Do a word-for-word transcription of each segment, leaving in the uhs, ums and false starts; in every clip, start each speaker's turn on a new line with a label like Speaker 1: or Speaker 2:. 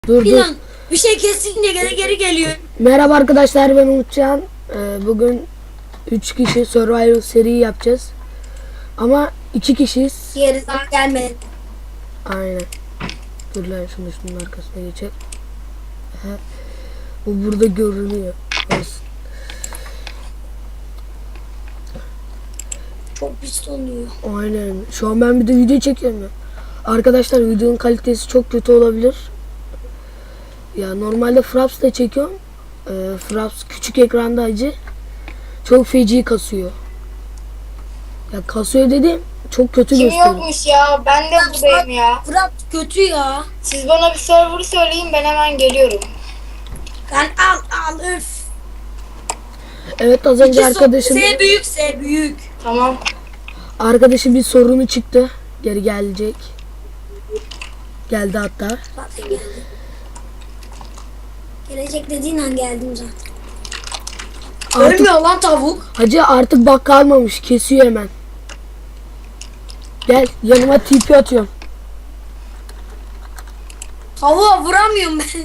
Speaker 1: Dur dur.
Speaker 2: İnan bir şey kesince geri geri geliyor.
Speaker 1: Merhaba arkadaşlar, ben Umutcan. Ee, bugün üç kişi Survival seri yapacağız. Ama iki kişiyiz.
Speaker 2: Geri daha gelmedi.
Speaker 1: Aynen. Dur lan, şunu şunun arkasına geçer. Aha. Bu burada görünüyor. Olsun.
Speaker 2: Çok pis oluyor.
Speaker 1: Aynen. Şu an ben bir de video çekiyorum ya. Arkadaşlar, videonun kalitesi çok kötü olabilir. Ya normalde Fraps'ta çekiyorum. Ee, Fraps küçük ekranda acı. Çok feci kasıyor. Ya kasıyor dedim, çok kötü
Speaker 3: Kim
Speaker 1: gösteriyor.
Speaker 3: yokmuş ya? Ben de buradayım ya.
Speaker 2: Fırat kötü ya.
Speaker 3: Siz bana bir server'ı söyleyin, ben hemen geliyorum.
Speaker 2: Sen al al öf.
Speaker 1: Evet, az önce
Speaker 2: İki
Speaker 1: arkadaşım
Speaker 2: S büyük S büyük.
Speaker 3: Tamam.
Speaker 1: arkadaşım bir sorunu çıktı. Geri gelecek. Geldi hatta.
Speaker 2: Zaten geldi. Gelecek dediğin an geldim zaten.
Speaker 1: Artık,
Speaker 2: Ölmüyor lan tavuk.
Speaker 1: hacı artık bak kalmamış. Kesiyor hemen. Gel yanıma T P atıyorum.
Speaker 2: Tavuğa vuramıyorum ben.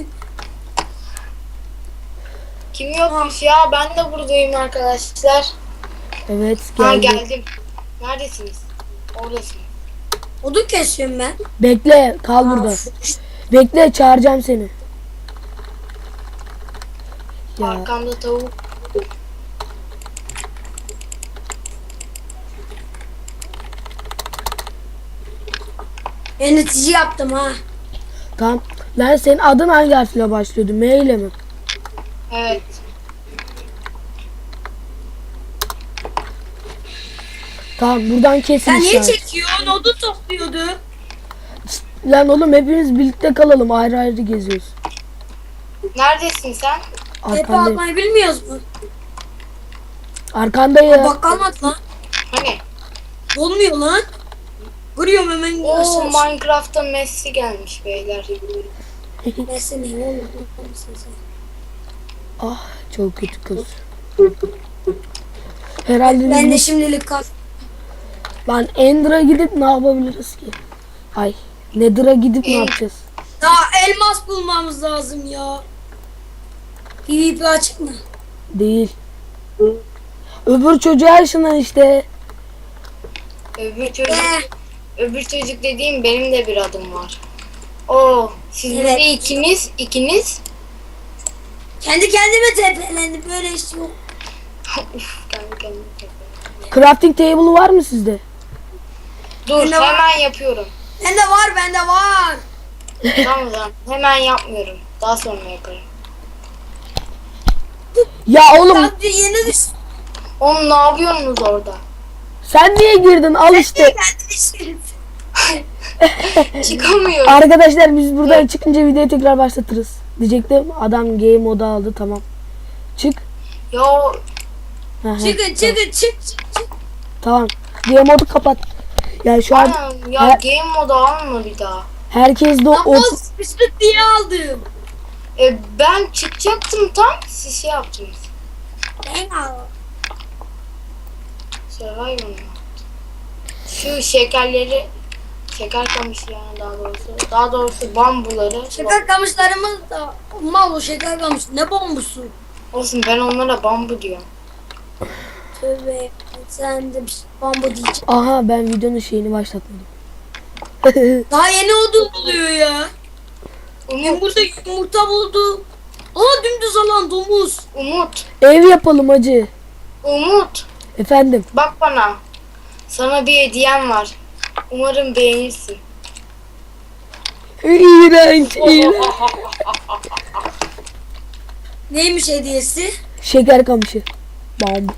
Speaker 3: Kim yokmuş ya? Ben de buradayım arkadaşlar.
Speaker 1: Evet,
Speaker 3: Ha
Speaker 1: geldi.
Speaker 3: geldim. Neredesiniz? Oradasın.
Speaker 2: Odun kesiyorum ben.
Speaker 1: Bekle, kal burada. Bekle, çağıracağım seni. Ya
Speaker 3: Arkamda tavuk.
Speaker 2: Yönetici yaptım ha.
Speaker 1: tamam. Lan senin adın hangi harfle başlıyordu? M ile mi?
Speaker 3: Evet.
Speaker 1: Tamam, buradan kesin
Speaker 2: Sen niye
Speaker 1: işaret.
Speaker 2: çekiyorsun? Odun topluyordu.
Speaker 1: Lan oğlum, hepimiz birlikte kalalım. Ayrı ayrı geziyoruz.
Speaker 3: Neredesin sen?
Speaker 2: Tepe
Speaker 1: Arkandayım.
Speaker 2: atmayı bilmiyoruz mu?
Speaker 1: Arkandayım.
Speaker 2: Bak kalmadı lan.
Speaker 3: Hani?
Speaker 2: Olmuyor lan. Vuruyorum hemen.
Speaker 3: Oo,
Speaker 2: aşağı.
Speaker 3: Minecraft'ta Messi gelmiş beyler.
Speaker 2: Neyse ne oldu?
Speaker 1: Ah, çok kötü kız. Herhalde
Speaker 2: Ben de
Speaker 1: biz
Speaker 2: şimdilik kal.
Speaker 1: lan Ender'a gidip ne yapabiliriz ki? Ay, Nether'a gidip ne
Speaker 3: En-
Speaker 1: yapacağız?
Speaker 2: Daha elmas bulmamız lazım ya. PvP açık mı?
Speaker 1: Değil. Öbür çocuğa ışınan işte.
Speaker 3: Öbür çocuk,
Speaker 2: Eh,
Speaker 3: öbür çocuk dediğim benim de bir adım var. Oo, siz
Speaker 2: Evet.
Speaker 3: burada ikiniz, ikiniz.
Speaker 2: kendi kendime tepelendim. Böyle iş yok.
Speaker 3: Uf, kendi kendime tekrar.
Speaker 1: Crafting table var mı sizde?
Speaker 3: Dur,
Speaker 2: Bende var.
Speaker 3: hemen yapıyorum.
Speaker 2: Bende var bende var.
Speaker 3: Tamam tamam, hemen yapmıyorum. Daha sonra yaparım.
Speaker 1: Ya oğlum,
Speaker 2: Sadece yeni düş.
Speaker 3: Oğlum ne yapıyorsunuz orada?
Speaker 1: sen niye girdin? Al işte.
Speaker 2: Kendi işim.
Speaker 3: Çıkamıyorum.
Speaker 1: Arkadaşlar, biz buradan çıkınca videoyu tekrar başlatırız. Diyecektim, adam game moda aldı, tamam. Çık.
Speaker 3: Ya
Speaker 1: Hı hı,
Speaker 2: Çıkın çıkın çık çık çık.
Speaker 1: Tamam. Game modu kapat. Ya şu an
Speaker 3: anam ya,
Speaker 1: Her-
Speaker 3: game modu alma bir daha.
Speaker 1: herkes de o
Speaker 2: Ama sıkıştık diye aldım.
Speaker 3: E, ben çıkacaktım tam, siz şey yaptınız.
Speaker 2: Ben aldım.
Speaker 3: Survivor mu? Şu şekerleri, şeker kamışlarını daha doğrusu, daha doğrusu bambuları.
Speaker 2: Şeker kamışlarımız da mal o şeker kamış. Ne bombusu?
Speaker 3: Olsun, ben onlara bambu diyorum.
Speaker 2: Tövbe. Sen de bir şey- bambu diyeceksin.
Speaker 1: aha, ben videonun şeyini başlatmadım.
Speaker 2: Daha yeni odun buluyor ya. Ben
Speaker 3: Umut,
Speaker 2: burada yumurta buldum. Aa dümdüz alan domuz.
Speaker 3: Umut,
Speaker 1: Ev yapalım hacı.
Speaker 3: Umut.
Speaker 1: Efendim.
Speaker 3: Bak bana. Sana bir hediyem var. Umarım beğenirsin.
Speaker 1: İğrenç, iğrenç.
Speaker 2: Neymiş hediyesi?
Speaker 1: Şeker kamışı. Bam.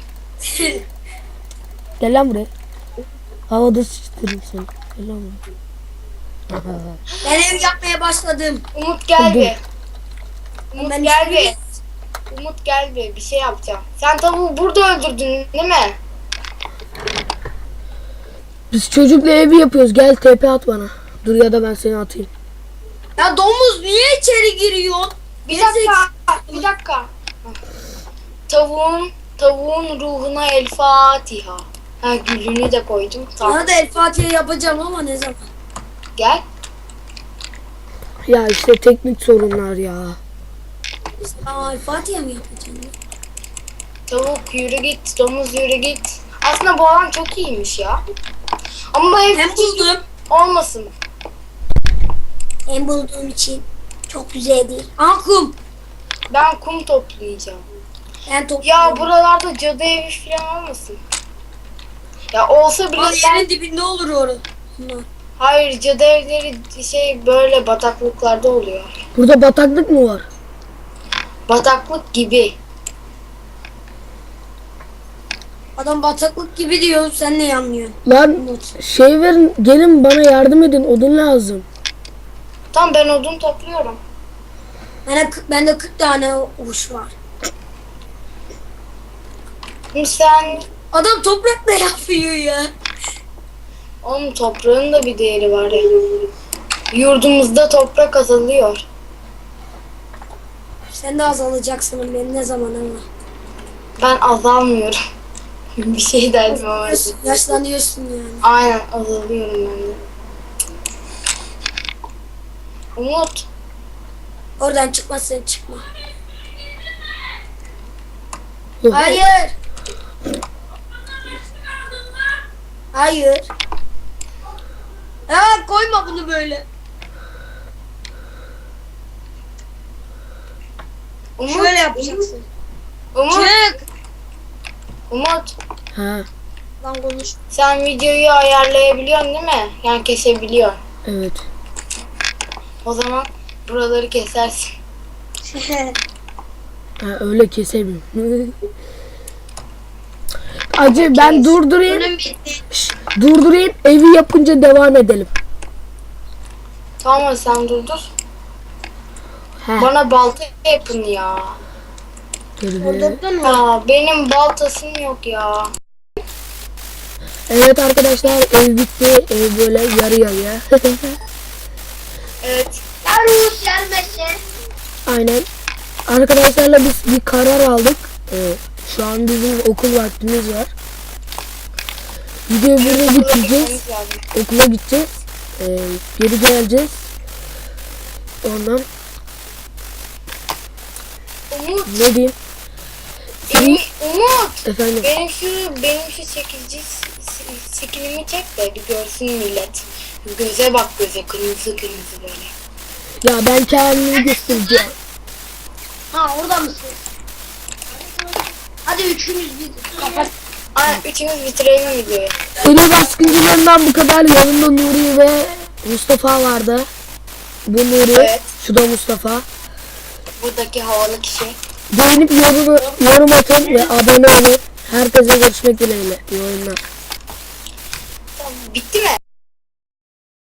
Speaker 1: Gel lan buraya. Havada sıçtırırım seni. Gel lan buraya.
Speaker 2: Ben ev yapmaya başladım.
Speaker 3: Umut gel
Speaker 1: Dur.
Speaker 3: be. Umut
Speaker 2: Ben
Speaker 3: gel
Speaker 2: işte-
Speaker 3: be. Umut gel be. Bir şey yapacağım. Sen tavuğu burada öldürdün değil mi?
Speaker 1: Biz çocukla evi yapıyoruz. Gel T P at bana. Dur, ya da ben seni atayım.
Speaker 2: Ya domuz niye içeri giriyorsun?
Speaker 3: Bir dakika. Bir dakika. Tavuğun tavuğun ruhuna el Fatiha. Ha, gülünü de koydum. Tamam.
Speaker 2: Sana da El Fatiha yapacağım ama ne zaman?
Speaker 3: Gel.
Speaker 1: Ya işte teknik sorunlar ya.
Speaker 2: Aa, Fatih'e mi yapacaksın?
Speaker 3: Tavuk yürü git, domuz yürü git. Aslında bu alan çok iyiymiş ya. Ama ev
Speaker 2: Hem buldum.
Speaker 3: olmasın.
Speaker 2: Hem bulduğum için çok güzel değil. Aa kum.
Speaker 3: Ben kum toplayacağım.
Speaker 2: Ben topluyorum.
Speaker 3: Ya buralarda cadı evi falan olmasın. Ya olsa bile
Speaker 2: Aa,
Speaker 3: ben...
Speaker 2: yerin dibinde olur orası. Bunlar.
Speaker 3: Hayır, cadı evleri şey böyle bataklıklarda oluyor.
Speaker 1: Burada bataklık mı var?
Speaker 3: Bataklık gibi.
Speaker 2: Adam bataklık gibi diyor. Sen ne anlıyorsun?
Speaker 1: Lan şey verin, gelin bana yardım edin, odun lazım.
Speaker 3: Tamam, ben odun topluyorum.
Speaker 2: Bende, bende kırk tane uç var.
Speaker 3: Şimdi sen
Speaker 2: Adam toprakla yapıyor ya.
Speaker 3: onun toprağın da bir değeri var ya. Yurdumuzda toprak azalıyor.
Speaker 2: Sen de azalacaksın ben ne zaman ama.
Speaker 3: Ben azalmıyorum. Bir şey derdim ama.
Speaker 2: Yaş, yaşlanıyorsun yani.
Speaker 3: Aynen, azalıyorum ben de. Umut,
Speaker 2: Oradan çıkmazsan çıkma.
Speaker 1: Yok.
Speaker 2: Hayır. Hayır. Ha koyma bunu böyle.
Speaker 3: Umut,
Speaker 2: Şöyle yapacaksın.
Speaker 3: Umut,
Speaker 2: Çık.
Speaker 3: Umut.
Speaker 1: Ha,
Speaker 2: Lan konuş.
Speaker 3: Sen videoyu ayarlayabiliyorsun değil mi? Yani kesebiliyorsun.
Speaker 1: evet.
Speaker 3: O zaman buraları kesersin.
Speaker 1: Ha, öyle kesemiyorum. Acı ben durdurayım.
Speaker 2: Önüm bitti.
Speaker 1: Şş, durdurayım, evi yapınca devam edelim.
Speaker 3: Tamam, sen durdur.
Speaker 1: Ha,
Speaker 3: Bana balta yapın ya.
Speaker 1: dur bir.
Speaker 2: Orada mı?
Speaker 3: Ya benim baltasım yok ya.
Speaker 1: Evet arkadaşlar, ev bitti. Ev böyle yarı yarıya.
Speaker 3: Evet.
Speaker 2: Yarus gelmesin.
Speaker 1: Aynen. Arkadaşlarla biz bir karar aldık. Ee, şu an bizim okul vaktimiz var. Videoyu burada bitireceğiz.
Speaker 3: Gitmemiz lazım.
Speaker 1: Okula gideceğiz. Ee, geri geleceğiz. Ondan
Speaker 3: Umut,
Speaker 1: ne diyeyim?
Speaker 3: benim, Umut.
Speaker 1: Efendim.
Speaker 3: Benim şu benim şu çekici şeklimi çek de bir görsün millet. Göze bak, göze kırmızı kırmızı böyle.
Speaker 1: Ya ben kendimi göstereceğim.
Speaker 2: Ha orada mısın? Hadi üçümüz bir kapat.
Speaker 3: Ay, üçümüz bitirelim videoyu.
Speaker 1: Seri baskıncılarından bu kadar. Yanımda Nuri ve Mustafa vardı. Bu Nuri.
Speaker 3: Evet.
Speaker 1: Şu da Mustafa.
Speaker 3: Buradaki havalı kişi.
Speaker 1: Beğenip yorum, yorum atın ve abone olun. Herkese görüşmek dileğiyle. İyi oyunlar.
Speaker 3: Tamam, bitti mi?